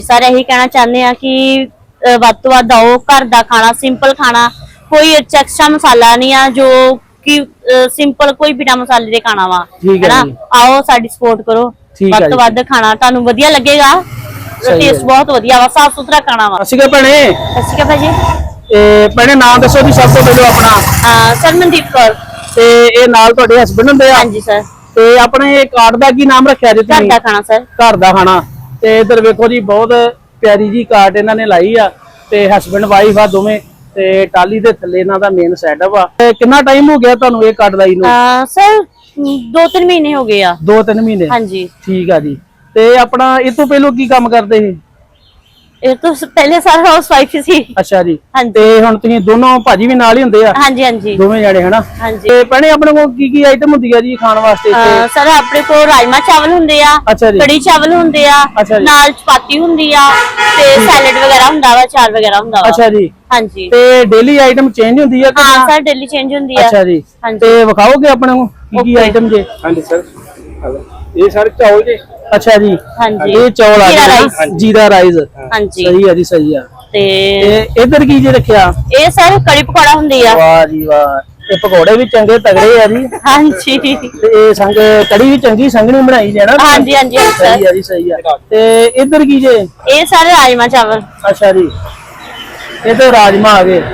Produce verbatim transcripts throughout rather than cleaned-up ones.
Sir यही कहना चाहते हैं कि ਵੱਧ ਤੋਂ ਵੱਧ ਆਓ, घर का खाना सिंपल खाना, कोई एक्स्ट्रा मसाला नहीं है, जो कि सिंपल कोई बिना मसाले दे खाना वा है ना। आओ साडी सपोर्ट करो, ਵੱਧ ਤੋਂ ਵੱਧ ਖਾਣਾ ਤੁਹਾਨੂੰ ਵਧੀਆ ਲੱਗੇਗਾ। ਟੇਸਟ ਬਹੁਤ ਵਧੀਆ ਵਾ, ਸਾਫ ਸੁਥਰਾ ਖਾਣਾ ਵਾ। ਅਸੀਂ ਕਹ ਭੈਣੇ ਅਸੀਂ ਕਹ ਭਾਜੀ ਤੇ ਭੈਣੇ ਨਾਮ ਦੱਸੋ ਜੀ ਸਭ ਤੋਂ ਪਹਿਲਾਂ ਆਪਣਾ। ਸਰ ਮਨਦੀਪ ਕੌਰ। ਤੇ ਇਹ ਨਾਲ ਤੁਹਾਡੇ ਹਸਬੰਡ ਹੁੰਦੇ ਆ? ਹਾਂਜੀ ਸਰ। ਤੇ ਆਪਣੇ ਕਾਰਡ ਦਾ ਕੀ ਨਾਮ ਰੱਖਿਆ ਜੀ ਤੁਸੀਂ? ਘਰ ਦਾ ਖਾਣਾ ਸਰ। ਘਰ ਦਾ ਖਾਣਾ। ਤੇ ਇਧਰ ਵੇਖੋ ਜੀ ਬਹੁਤ ਪਿਆਰੀ ਜੀ ਕਾਰਡ ਇਹਨਾਂ ਨੇ ਲਾਈ ਆ ਤੇ ਹਸਬੰਡ ਵਾਈਫ ਆ ਦੋਵੇਂ ਤੇ ਟਾਲੀ ਦੇ ਥੱਲੇ ਇਹਨਾਂ ਦਾ ਮੇਨ ਸੈਟਅਪ ਆ। ਕਿੰਨਾ ਟਾਈਮ ਹੋ ਗਿਆ ਤੁਹਾਨੂੰ ਇਹ ਕਾਰਡ ਲਾਈ ਨੂੰ? ਸਰ ਦੋ ਤਿੰਨ ਮਹੀਨੇ ਹੋ ਗਏ ਆ। ਦੋ ਤਿੰਨ ਮਹੀਨੇ? ਹਾਂਜੀ ਠੀਕ ਆ ਜੀ। ਤੇ ਆਪਣਾ ਇਹ ਤੋਂ ਪਹਿਲਾਂ ਕੀ ਕੰਮ ਕਰਦੇ ਸੀ? ਇਹ ਤੋਂ ਪਹਿਲੇ ਸਰ ਹਾਊਸ ਵਾਈਫ ਸੀ। ਅੱਛਾ ਜੀ। ਤੇ ਹੁਣ ਤੁਸੀਂ ਦੋਨੋਂ ਭਾਜੀ ਵੀ ਨਾਲ ਹੀ ਹੁੰਦੇ ਆ? ਹਾਂਜੀ ਹਾਂਜੀ ਦੋਵੇਂ ਜਾਣੇ ਹਨਾ। ਹਾਂਜੀ। ਤੇ ਭੈਣੇ ਆਪਣੇ ਕੋਲ ਕੀ ਕੀ ਆਈਟਮ ਹੁੰਦੀ ਆ ਜੀ ਖਾਣ ਵਾਸਤੇ? ਸਰ ਆਪਣੇ ਕੋਲ ਰਾਜਮਾ ਚਾਵਲ ਹੁੰਦੇ ਆ, ਕੜੀ ਚਾਵਲ ਹੁੰਦੇ ਆ, ਨਾਲ ਚਪਾਤੀ ਹੁੰਦੀ ਆ ਤੇ ਸੈਲਡ ਵਗੈਰਾ ਹੁੰਦਾ ਵਾ, ਚਾਰ ਵਗੈਰਾ ਹੁੰਦਾ ਵਾ। ਅੱਛਾ ਜੀ। ਹਾਂਜੀ। ਤੇ ਡੇਲੀ ਆਈਟਮ ਚੇਂਜ ਹੁੰਦੀ ਆ? ਹਾਂ ਸਰ ਡੇਲੀ ਚੇਂਜ ਹੁੰਦੀ ਆ। ਅੱਛਾ ਜੀ। ਤੇ ਵਿਖਾਓਗੇ ਆਪਣੇ ਕੋਲ ਕੀ ਕੀ ਆਈਟਮ ਜੇ? ਹਾਂਜੀ ਸਰ, ਇਹ ਸਾਰੇ ਚਾਵਲ ਜੀ। अच्छा जी। हाँ जी। ये चौल आ गया, जीरा राइस। हाँ जी। सही है जी, सही है। ते इधर की जे रखिया? ये सर कड़ी पकौड़ा हुंदी आ। वाह जी वाह, ये पकौड़े भी चंगे तगड़े आ जी। हाँ जी। ते संग कड़ी भी चंगी संगनी बनाई जे ना? हाँ जी हाँ जी सही है जी, सही है। ते इधर की जे? ये सारे राजमा चावल। अच्छा जी। ये तो राजमा आ गए।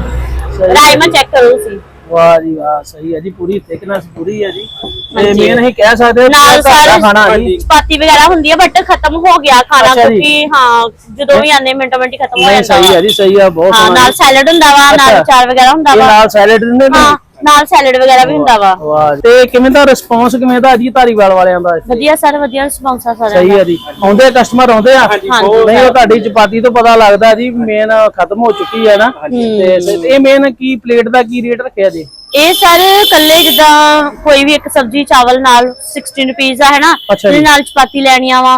राजमा चेक करो सी। वाह जी वाह, सही है जी, पूरी थिकनेस पूरी है जी। ते मेन ही कह सकते नाल सारे खाना जी। चपाती वगैरह हुंदी है बट खत्म हो गया खाना क्योंकि हां जदों भी आने मिनटों मिनट खत्म हो जाता है। सही है जी, सही है। बहुत हां नाल सैलेड हुंदा वा, नाल चार वगैरह हुंदा वा। नाल सैलेड दिंदे ने? हां ਨਾਲ ਸੈਲਡ ਵਗੈਰਾ ਵੀ ਹੁੰਦਾ ਵਾ। ਵਾਹ। ਤੇ ਕਿਵੇਂ ਦਾ ਰਿਸਪੌਂਸ ਕਿਵੇਂ ਦਾ ਜੀ ਧਾਰੀਵਾਲ ਵਾਲਿਆਂ ਦਾ? ਵਧੀਆ ਸਰ, ਵਧੀਆ ਰਿਸਪੌਂਸ ਆ ਸਾਰਿਆਂ ਦਾ। ਸਹੀ ਹੈ ਜੀ। ਆਉਂਦੇ ਕਸਟਮਰ ਆਉਂਦੇ ਆ? ਨਹੀਂ ਉਹ ਤੁਹਾਡੀ ਚਪਾਤੀ ਤੋਂ ਪਤਾ ਲੱਗਦਾ ਜੀ ਮੇਨ ਖਤਮ ਹੋ ਚੁੱਕੀ ਹੈ ਨਾ। ਤੇ ਇਹ ਮੇਨ ਕੀ ਪਲੇਟ ਦਾ ਕੀ ਰੇਟ ਰੱਖਿਆ ਜੀ? ਇਹ ਸਰ ਕੱਲੇ ਜਿੱਦਾਂ ਕੋਈ ਵੀ ਇੱਕ ਸਬਜ਼ੀ ਚਾਵਲ ਨਾਲ सोलह ਰੁਪਏ ਆ ਹੈ ਨਾ, ਤੇ ਨਾਲ ਚਪਾਤੀ ਲੈਣੀਆਂ ਵਾ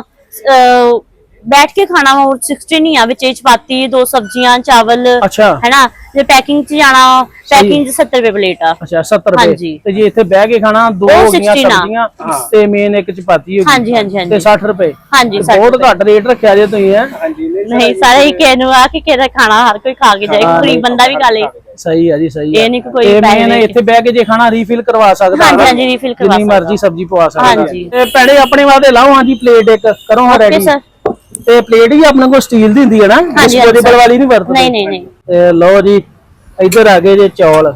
बैठ के खाना वा सोलह नहीं आ, विच चपाती दो सब्जियां चावल है ना। जे पैकिंग च जाना पैकिंग च सत्तर रुपए प्लेट आ। अच्छा सत्तर रुपए। ते जे इथे बैठ के खाना दो हो गईयां सब्जियां ते मेन एक चपाती हो गई। हां जी हां जी ते साठ रुपए। हां जी बहुत घट रेट रखया जे तुसी है। हां जी नहीं सारे ही कहनु आ कि केदा खाना हर कोई खा के जाए, गरीब बंदा भी खा ले। सही है जी, सही है। ये नहीं कोई मेन इथे बैठ के जे खाना रीफिल करवा सकदा। हां जी हां जी रीफिल करवा सकदा, जितनी मर्जी सब्जी पवा सकदा। हां जी। ते पैड़े अपने वास्ते लाओ। हां जी प्लेट एक करो हां रेडी। ਤੇ ਪਲੇਟ ਹੀ ਆਪਣੇ ਕੋਲ ਸਟੀਲ ਦੀ ਹੁੰਦੀ ਹੈ ਨਾ, ਡਿਸਪੋਜ਼ੇਬਲ ਵਾਲੀ ਨਹੀਂ ਵਰਤਦੇ? ਨਹੀਂ ਨਹੀਂ ਨਹੀਂ। ਤੇ ਲਓ ਜੀ ਇੱਧਰ ਆ ਗਏ ਜੇ ਚੌਲ।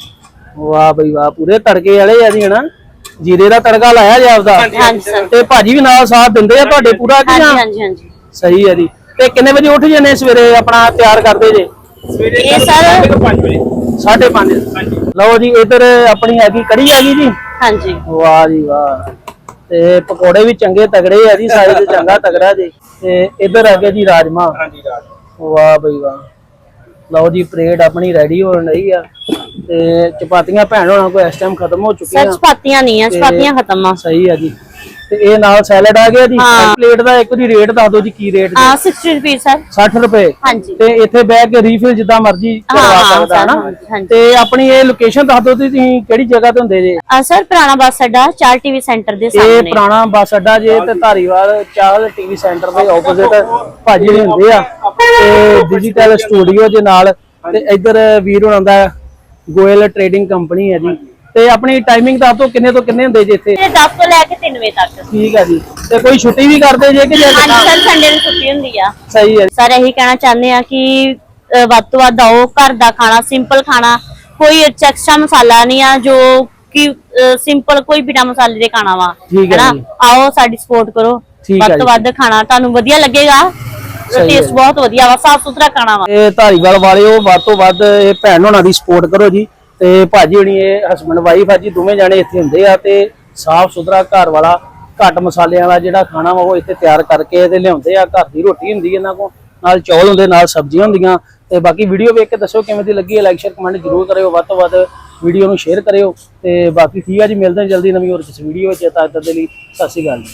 ਵਾਹ ਬਈ ਵਾਹ, ਪੂਰੇ ਤੜਕੇ ਵਾਲੇ ਆ ਜੀ ਹਨਾ, ਜੀਰੇ ਦਾ ਤੜਕਾ ਲਾਇਆ ਜੀ ਆਪਦਾ। ਹਾਂਜੀ ਸਰ। ਤੇ ਭਾਜੀ ਵੀ ਨਾਲ ਸਾਥ ਦਿੰਦੇ ਆ ਤੁਹਾਡੇ ਪੂਰਾ? ਹਾਂਜੀ ਹਾਂਜੀ ਹਾਂਜੀ ਸਹੀ ਹੈ ਜੀ। ਤੇ ਕਿੰਨੇ ਵਜੇ ਉੱਠ ਜਾਂਦੇ ਸਵੇਰੇ ਆਪਣਾ ਤਿਆਰ ਕਰਦੇ ਜੇ? ਸਵੇਰੇ ਇਹ ਸਰ ਪੰਜ ਵਜੇ। ਸਾਢੇ ਪੰਜ। ਹਾਂਜੀ। ਲਓ ਜੀ ਇੱਧਰ ਆਪਣੀ ਆ ਗਈ ਕੜੀ ਆ ਗਈ ਜੀ। ਹਾਂਜੀ। ਵਾਹ ਜੀ ਵਾਹ। ਤੇ ਪਕੌੜੇ ਵੀ ਚੰਗੇ ਤਗੜੇ ਆ ਜੀ, ਸਾਈਜ਼ ਚੰਗਾ ਤਗੜਾ ਜੀ। ਤੇ ਇੱਧਰ ਆ ਗਿਆ ਜੀ ਰਾਜਮਾ। ਹਾਂਜੀ ਰਾਜਮਾ। ਵਾਹ ਬਈ ਵਾਹ। ਲਓ ਜੀ ਪਲੇਟ ਆਪਣੀ ਰੈਡੀ ਹੋਣ ਰਹੀ ਆ। ਤੇ ਚਪਾਤੀਆਂ ਭੈਣ ਹੋਣਾ ਕੋਈ ਇਸ ਟਾਈਮ ਖਤਮ ਹੋ ਚੁੱਕੀਆਂ। ਸਰ ਚਪਾਤੀਆਂ ਨਹੀਂ ਆ, ਚਪਾਤੀਆਂ ਖਤਮ ਆ। ਸਹੀ ਆ ਜੀ। ਤੇ ਇਹ ਨਾਲ ਸੈਲਡ ਆ ਗਿਆ ਜੀ। ਪਲੇਟ ਦਾ ਇੱਕ ਦੀ ਰੇਟ ਦੱਸ ਦਿਓ ਜੀ, ਕੀ ਰੇਟ? ਹਾਂ साठ ਰੁਪਏ ਸਰ। साठ ਰੁਪਏ। ਹਾਂਜੀ। ਤੇ ਇੱਥੇ ਬਹਿ ਕੇ ਰੀਫਿਲ ਜਿੱਦਾਂ ਮਰਜ਼ੀ ਕਰਵਾ ਸਕਦਾ ਹੈ ਨਾ। ਤੇ ਆਪਣੀ ਇਹ ਲੋਕੇਸ਼ਨ ਦੱਸ ਦਿਓ ਤੁਸੀਂ ਕਿਹੜੀ ਜਗ੍ਹਾ ਤੇ ਹੁੰਦੇ ਜੇ? ਆ ਸਰ ਪੁਰਾਣਾ ਬੱਸ ਅੱਡਾ ਚਾਰ ਟੀਵੀ ਸੈਂਟਰ ਦੇ ਸਾਹਮਣੇ। ਇਹ ਪੁਰਾਣਾ ਬੱਸ ਅੱਡਾ ਜੇ ਤੇ ਧਾਰੀਵਾਲ ਚਾਲ ਟੀਵੀ ਸੈਂਟਰ ਦੇ ਆਪੋਜ਼ਿਟ ਭਾਜੀ ਨੇ ਹੁੰਦੇ ਆ। ਤੇ ਡਿਜੀਟਲ ਸਟੂਡੀਓ ਦੇ ਨਾਲ। ਤੇ ਇੱਧਰ ਵੀਰ ਹੋਣਾ ਦਾ ਗੋਇਲ ਟ੍ਰੇਡਿੰਗ ਕੰਪਨੀ ਹੈ ਜੀ। ਤੇ ਆਪਣੀ ਟਾਈਮਿੰਗ ਦੱਸ ਦਿਓ ਕਿੰਨੇ ਤੋਂ ਕਿੰਨੇ ਹੁੰਦੇ ਜੇ ਇੱਥੇ? ਦਸ ਤੋਂ ਲੈ ਕੇ ਤਿੰਨ ਵਜੇ ਤੱਕ। ਠੀਕ ਹੈ ਜੀ। ਤੇ ਕੋਈ ਛੁੱਟੀ ਵੀ ਕਰਦੇ ਜੇ ਕਿ? ਹਾਂਜੀ ਸਰ ਸੰਡੇ ਨੂੰ ਛੁੱਟੀ ਹੁੰਦੀ ਆ। ਸਹੀ ਹੈ। ਸਰ ਇਹੀ ਕਹਿਣਾ ਚਾਹੁੰਦੇ ਆ ਕਿ ਵੱਧ ਤੋਂ ਵੱਧ ਆਓ, ਘਰ ਦਾ ਖਾਣਾ ਸਿੰਪਲ ਖਾਣਾ, ਕੋਈ ਐਕਸਟਰਾ ਮਸਾਲਾ ਨਹੀਂ ਆ, ਜੋ ਕਿ ਸਿੰਪਲ ਕੋਈ ਬਿਨਾ ਮਸਾਲੇ ਦੇ ਖਾਣਾ ਵਾ ਹੈ ਨਾ। ਆਓ ਸਾਡੀ ਸਪੋਰਟ ਕਰੋ, ਵੱਧ ਤੋਂ ਵੱਧ ਖਾਣਾ ਤੁਹਾਨੂੰ ਵਧੀਆ ਲੱਗੇਗਾ। ਟੇਸਟ ਬਹੁਤ ਵਧੀਆ ਵਾ, ਸਾਫ ਸੁਥਰਾ ਖਾਣਾ ਵਾ। ਇਹ ਧਾਰੀਵਾਲ ਵਾਲਿਓ ਵੱਧ ਤੋਂ ਵੱਧ ਇਹ ਭੈਣ ਹੋਣਾ ਦੀ ਸਪੋਰਟ ਕਰੋ ਜੀ। ਤੇ ਭਾਜੀ ਹੋਣੀ ਇਹ ਹਸਬੰਡ ਵਾਈਫ ਆ ਜੀ, ਦੋਵੇਂ ਜਾਣੇ ਇੱਥੇ ਹੁੰਦੇ ਆ। ਤੇ ਸਾਫ ਸੁਥਰਾ ਘਰ ਵਾਲਾ ਘੱਟ ਮਸਾਲਿਆਂ ਵਾਲਾ ਜਿਹੜਾ ਖਾਣਾ ਵਾ ਉਹ ਇੱਥੇ ਤਿਆਰ ਕਰਕੇ ਤੇ ਲਿਆਉਂਦੇ ਆ। ਘਰ ਦੀ ਰੋਟੀ ਹੁੰਦੀ ਇਹਨਾਂ ਕੋਲ, ਨਾਲ ਚੌਲ ਹੁੰਦੇ, ਨਾਲ ਸਬਜ਼ੀਆਂ ਹੁੰਦੀਆਂ। ਤੇ ਬਾਕੀ ਵੀਡੀਓ ਵੇਖ ਕੇ ਦੱਸੋ ਕਿਵੇਂ ਦੀ ਲੱਗੀ ਹੈ, ਲਾਈਕ ਸ਼ੇਅਰ ਕਮੈਂਟ ਜ਼ਰੂਰ ਕਰਿਓ, ਵੱਧ ਤੋਂ ਵੱਧ ਵੀਡੀਓ ਨੂੰ ਸ਼ੇਅਰ ਕਰਿਓ। ਤੇ ਬਾਕੀ ਠੀਕ ਆ ਜੀ, ਮਿਲਦੇ ਹਾਂ ਜਲਦੀ ਨਵੀਂ ਹੋਰ ਕਿਸ ਵੀਡੀਓ ਵਿੱਚ। ਤਦ ਤੱਕ ਦੇ ਲਈ ਸਤਿ ਸ਼੍ਰੀ ਅਕਾਲ ਜੀ।